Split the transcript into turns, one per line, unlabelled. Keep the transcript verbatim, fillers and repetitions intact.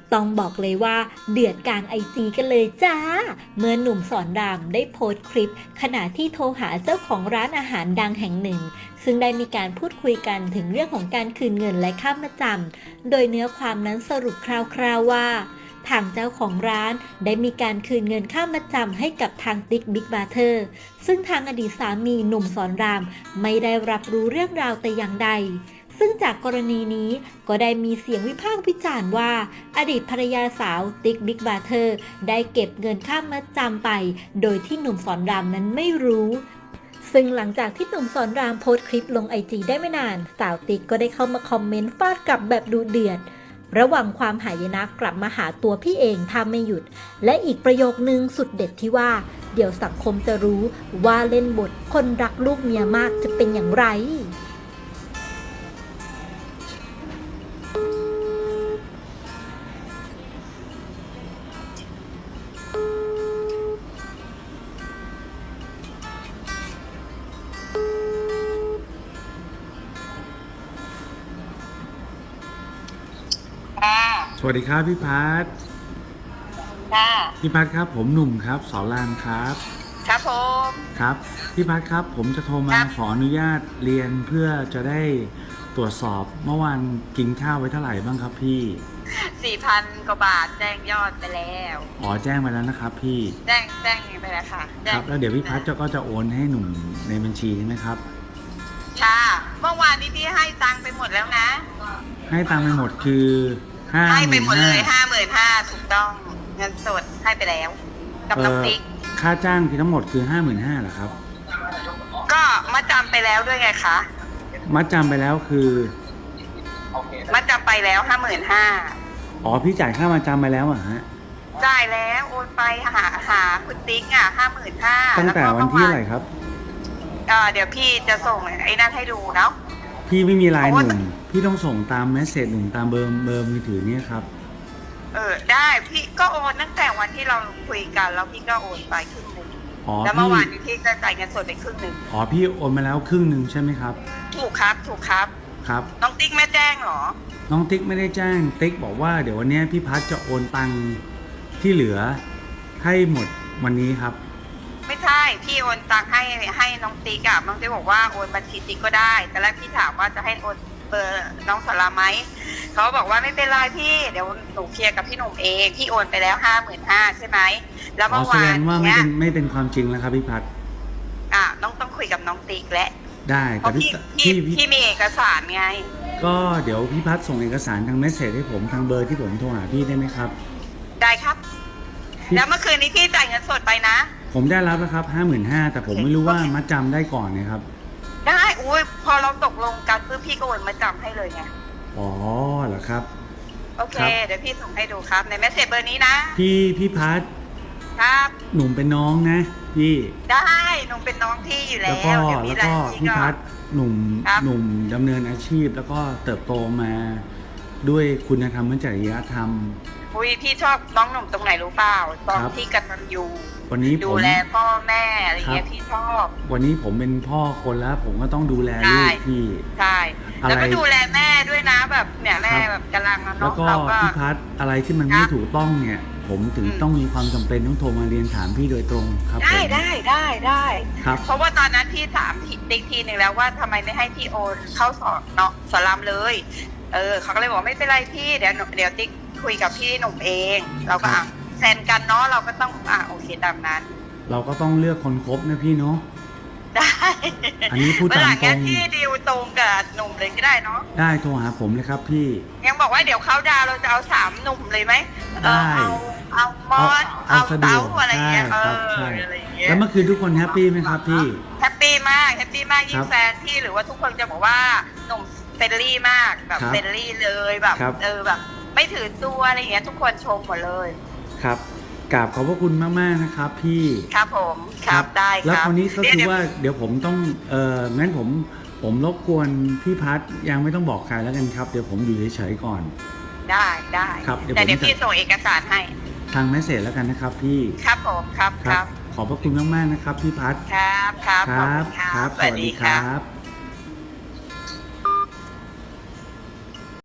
ต้องบอกเลยว่าเดือดกลางไอจีกันเลยจ้าเมื่อหนุ่มสอนรามได้โพสต์คลิปขณะที่โทรหาเจ้าของร้านอาหารดังแห่งหนึ่งซึ่งได้มีการพูดคุยกันถึงเรื่องของการคืนเงินและค่ามาจำโดยเนื้อความนั้นสรุปคร่าวๆว่าทางเจ้าของร้านได้มีการคืนเงินค่ามาจำให้กับทางติ๊กบิ๊กบราเธอร์ซึ่งทางอดีตสามีหนุ่มสอนรามไม่ได้รับรู้เรื่องราวแต่อย่างใดซึ่งจากกรณีนี้ก็ได้มีเสียงวิพากษ์วิจารณ์ว่าอดีตภรรยาสาวติ๊กบิ๊กบราเธอร์ได้เก็บเงินค่ามาจำไปโดยที่หนุ่มสอนรามนั้นไม่รู้ซึ่งหลังจากที่หนุ่มสอนรามโพสต์คลิปลงไอจีได้ไม่นานสาวติ๊กก็ได้เข้ามาคอมเมนต์ฟาดกลับแบบดูเดือดระหว่างความหายนะกลับมาหาตัวพี่เองถ้าไม่หยุดและอีกประโยคนึงสุดเด็ดที่ว่าเดี๋ยวสังคมจะรู้ว่าเล่นบทคนรักลูกเมียมากจะเป็นอย่างไร
สวัสดีครับพี่พัฒน์
ค่ะ
พี่พัฒน์ครับผมหนุ่มครับสอนรามครับ
ครับผม
ครับพี่พัฒน์ครับผมจะโทรมาขออนุญาตเรียนเพื่อจะได้ตรวจสอบเมื่อวานกินข้าวไว้เท่าไหร่บ้างครับพี่
สี่พันกว่าบาทแจ้งยอดไปแล้ว
อ๋อแจ้งไปแล้วนะครับพี่
แจ้งแจ้งไปแล้วค่ะ
ครับแล้วเดี๋ยวพี่พัฒน์ก็จะโอนให้หนุ่มในบัญชีใช่ไหมครับ
ค่ะเมื่อวานนี้พี่ให้ตังค์ไปหมดแล้วนะ
ให้ตังค์ไปหมดคือห้า
ให้ไปหมดเลยห้าหมื่นห้าถูกต้องเงินสดให้ไปแล้วกับน้องติ๊ก
ค่าจ้างที่ทั้งหมดคือห้าหมื่นห้าเหรอครับ
ก็มาจำไปแล้วด้วยไงคะ
มัดจำไปแล้วคือ
มาจำไปแล้วห้าหมื่นห้า
อ๋อพี่จ่ายค่ามาจำไปแล้วอ่ะฮะ
จ่ายแล้วโอนไปหาหาคุณติ๊กอ่ะห้าหมื่นห้า
ตั้งแต่วันที่อะไรครับ
อ่าเดี๋ยวพี่จะส่งไอ้นั่นให้ดูเนาะ
พี่ไม่มีไลน์หนุ่มพี่ต้องส่งตามเมสเสจหนุ่มตามเบอร์เบอร์มือถือเนี่ยครับ
เออได้พี่ก็โอนตั้งแต่วันที่เราคุยกันแล้วพี่ก็โอนไปครึ่งหนึ่งแล้วเมื่อวานนี้พี่จะจ่ายเงินสดไปครึ่งหนึ่ง
อ๋อพี่โอนมาแล้วครึ่งหนึ่งใช่ไหมครับ
ถูกครับถูกครับ
ครับ
น้องติ๊กไม่แจ้งหรอ
น้องติ๊กไม่ได้แจ้งติ๊กบอกว่าเดี๋ยววันนี้พี่พัฒจะโอนตังที่เหลือให้หมดวันนี้ครับ
ไม่ใช่พี่โอนตังให้ให้น้องติ๊กอะน้องติ๊กบอกว่าโอนบัญชีติ๊กก็ได้แต่แรกพี่ถามว่าจะให้โอนเบอร์น้องสลาไหมเขาบอกว่าไม่เป็นไรพี่เดี๋ยวหนูเคลียร์กับพี่หนุ่มเองพี่โอนไปแล้วห้าหมื่นห้าใช่ไหมแล้วเมื่อวาน
แสดงว่าไม่เป็นไม่เป็นความจริงแล้วครับพี่พัฒ
อ่ะน้องต้องคุยกับน้องติ๊กและ
ได้แต่
พี่พี่พี่มีเอกสารไง
ก็เดี๋ยวพี่พัฒส่งเอกสารทางเมสเสจให้ผมทางเบอร์ที่ผมโทรหาพี่ได้ไหมครับ
ได้ครับแล้วเมื่อคืนนี้พี่จ่ายเงินสดไปนะ
ผมได้รับแล้วครับห้าหมื่นห้าแต่ผมไม่รู้ว่ามัดจำได้ก่อนนะครับ
ได้อุ้ยพอเราตกลงกันเพื่อพี่ก็โอนมาจำให้เลยไง
อ๋อเหรอครับ
โอเคเดี๋ยวพี่ส่งให้ดูครับในเมสเสจเบอร์นี้นะ
พี่พี่พัฒ
ครับ
หนุ่มเป็นน้องนะพี่
ได้หนุ่มเป็นน้องพี่อยู่แล้ว
แล้วก็แล้วก็พี่พัฒหนุ่มหนุ่มดำเนินอาชีพแล้วก็เติบโตมาด้วยคุณธรรมและจริยธรรม
อุ้ยพี่ชอบน้องหนุ่มตรงไหนรู้เปล่าตอนที่กตัญญู
วันนี้
ดูแลพ่อแม่อะไรเงี้ยพี่ชอบ
วันนี้ผมเป็นพ่อคนแล้วผมก็ต้องดูแลลูกพี่
ใช่แล้วก็ดูแลแม่ด้วยนะแบบเนี่ยแม่แบบกำลังน้อง
เราก็พี่พัฒอะไรที่มันไม่ถูกต้องเนี่ยผมถึงต้องมีความจำเป็นต้องโทรมาเรียนถามพี่โดยตรงครับ
ได้ได้ได้ได้
ครับ
เพราะว่าตอนนั้นพี่ถามติ๊กทีหนึ่งแล้วว่าทำไมไม่ให้พี่โอนเข้าสอนเนาะสอนรามเลยเออเขาก็เลยบอกไม่เป็นไรพี่เดี๋ยวเดี๋ยวติ๊กคุยกับพี่หนุ่มเองเราก็อ่ะแซนกันเนาะเราก็ต้องอ่ะโอเคตามนั้น
เราก็ต้องเลือกคนคบนะพี่เนาะ
ได้
อันนี้พูดตามตรง
ที่ดีลตรงกับหนุ่มเลยก็ได้เนาะ
ได้โทรหาผมเลยครับพี่
ยังบอกว่าเดี๋ยวเขาดาวเราจะเอาสามหนุ่มเลยไหม
ได้
เอาเอามอสเอาเต้าอะไรเงี้ยเออ
อะไรเงี้ยแล้วเมื่อคืนทุกคนแฮปปี้ไหมครับพี่
แฮปปี้มากแฮปปี้มากยิ่งแฟนที่หรือว่าทุกคนจะบอกว่าหนุ่มเฟรนลี่มากแบบเฟรนลี่เลยแบบเออแบบไม่ถือตัวอะไรเงี้ยทุกคนชมหมดเลย
ครับกราบขอบพระคุณมากๆนะครับพี่
ครับผมครับได้ครับ
แล้วคราวนี้ก็คือว่าเดี๋ยวผมต้องเอองั้นผมผมรบกวนพี่พัฒยังไม่ต้องบอกใครแล้วกันครับเดี๋ยวผมอยู่เฉยๆก่อน
ได้ได้
ครับ
แต่เดี๋ยวพี่ส่งเอกสารให้
ทางเมสเสจแล้วกันนะครับพี่
ครับผมครับครับ
ขอบพระคุณมากๆนะครับพี่พัฒ
ครับครับ
ครับครับสวัสดีครับ